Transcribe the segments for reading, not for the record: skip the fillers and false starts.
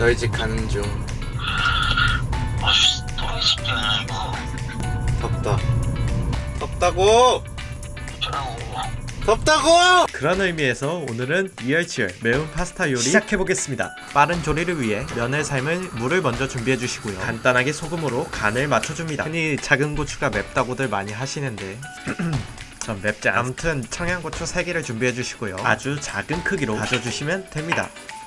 너희 집 가는 중. 아씨, 또라이 새끼야 이거. 덥다. 덥다고! 어쩌라고. 덥다고! 그런 의미에서 오늘은 이열치열 매운 파스타 요리 시작해보겠습니다. 빠른 조리를 위해 면을 삶을 물을 먼저 준비해주시고요. 간단하게 소금으로 간을 맞춰줍니다. 흔히 작은 고추가 맵다고들 많이 하시는데 전 맵지 않아요. 아무튼 청양고추 3개를 준비해주시고요. 아주 작은 크기로 다져주시면 됩니다.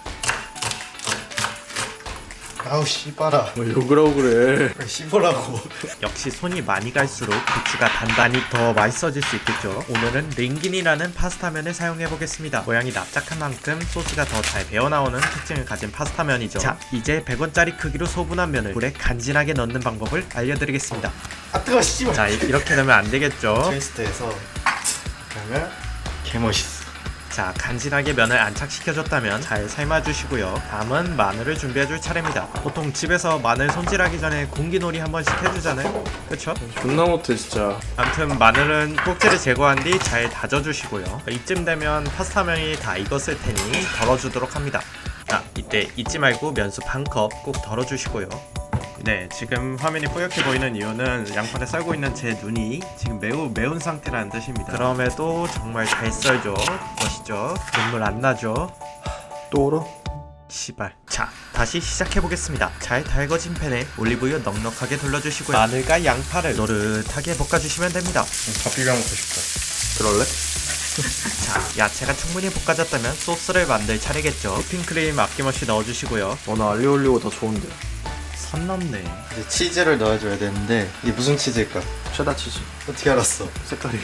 아우 씨발아. 뭐 욕을 하고 그래. 왜 씹으라고. 역시 손이 많이 갈수록 고추가 단단히 더 맛있어질 수 있겠죠. 오늘은 링긴이라는 파스타면을 사용해보겠습니다. 모양이 납작한 만큼 소스가 더 잘 배어나오는 특징을 가진 파스타면이죠. 자, 이제 100원짜리 크기로 소분한 면을 물에 간지나게 넣는 방법을 알려드리겠습니다. 아 뜨거 씨발. 자, 이렇게 넣으면 안 되겠죠. 트위스트해서 그러면 개멋있어. 자, 간지나게 면을 안착시켜줬다면 잘 삶아주시고요. 다음은 마늘을 준비해줄 차례입니다. 보통 집에서 마늘 손질하기 전에 공기놀이 한 번씩 해주잖아요. 그쵸? 존나 못해 진짜. 아무튼 마늘은 꼭지를 제거한 뒤 잘 다져주시고요. 이쯤 되면 파스타면이 다 익었을 테니 덜어주도록 합니다. 자, 이때 잊지 말고 면수 반 컵 꼭 덜어주시고요. 네, 지금 화면이 뿌옇게 보이는 이유는 양파를 썰고 있는 제 눈이 지금 매우 매운 상태라는 뜻입니다. 그럼에도 정말 잘 썰죠. 멋있죠? 눈물 안 나죠? 또 얼어? 시발. 자, 다시 시작해보겠습니다. 잘 달궈진 팬에 올리브유 넉넉하게 둘러주시고요. 마늘과 양파를 노릇하게 볶아주시면 됩니다. 밥 비벼 먹고 싶다. 그럴래? 자, 야채가 충분히 볶아졌다면 소스를 만들 차례겠죠. 휘핑크림 아낌없이 넣어주시고요. 나 알리오 올리고 더 좋은데. 선 넘네. 이제 치즈를 넣어줘야 되는데 이게 무슨 치즈일까? 체다 치즈. 어떻게 알았어? 색깔이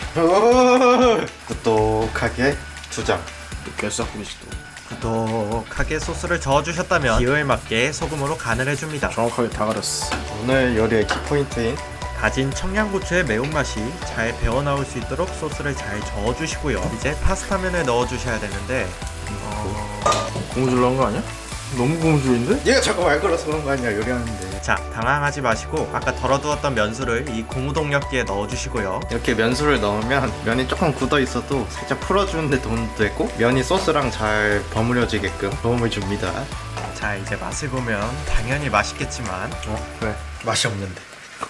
똑똑하게 2장. 개싹구리지 또. 구독하게 소스를 저어주셨다면 기호에 맞게 소금으로 간을 해줍니다. 정확하게 다 가렸어. 오늘 요리의 키포인트인 다진 청양고추의 매운맛이 잘 배어나올 수 있도록 소스를 잘 저어주시고요. 이제 파스타면을 넣어주셔야 되는데 고무줄로 한 거 아니야? 너무 고무줄인데? 얘가 자꾸 말 걸어서 그런 거 아니야 요리하는데. 자, 당황하지 마시고 아까 덜어두었던 면수를 이 고무동력기에 넣어주시고요. 이렇게 면수를 넣으면 면이 조금 굳어 있어도 살짝 풀어주는데 도움도 되고 면이 소스랑 잘 버무려지게끔 도움을 줍니다. 자, 이제 맛을 보면 당연히 맛있겠지만 왜? 맛이 없는데.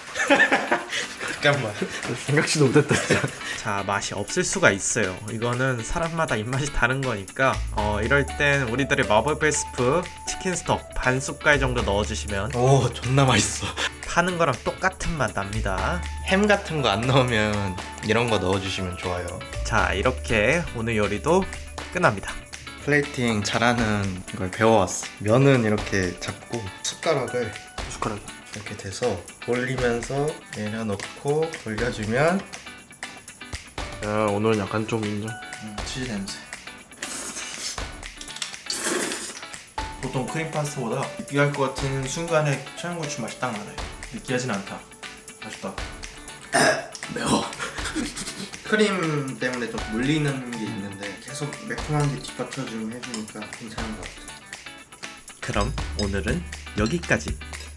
잠깐만. 생각지도 못했다 진짜. 자, 맛이 없을 수가 있어요. 이거는 사람마다 입맛이 다른 거니까 이럴 땐 우리들의 마법 베스프 치킨 스톡 반 숟갈 정도 넣어주시면 오 존나 맛있어. 파는 거랑 똑같은 맛 납니다. 햄 같은 거 안 넣으면 이런 거 넣어주시면 좋아요. 자, 이렇게 오늘 요리도 끝납니다. 플레이팅 잘하는 걸 배워왔어. 면은 이렇게 잡고 숟가락을 숟가락. 이렇게 돼서 올리면서 내려놓고 돌려주면 야 오늘은 약간 좀 인정. 치즈 냄새. 보통 크림 파스타보다 느끼할 것 같은 순간에 청양고추 맛이 딱 나요. 느끼하진 않다. 맛있다. 매워. 크림 때문에 좀 물리는 게 있는데 계속 매콤한 게 뒷받쳐주면 해주니까 괜찮은 것 같아. 그럼 오늘은 여기까지.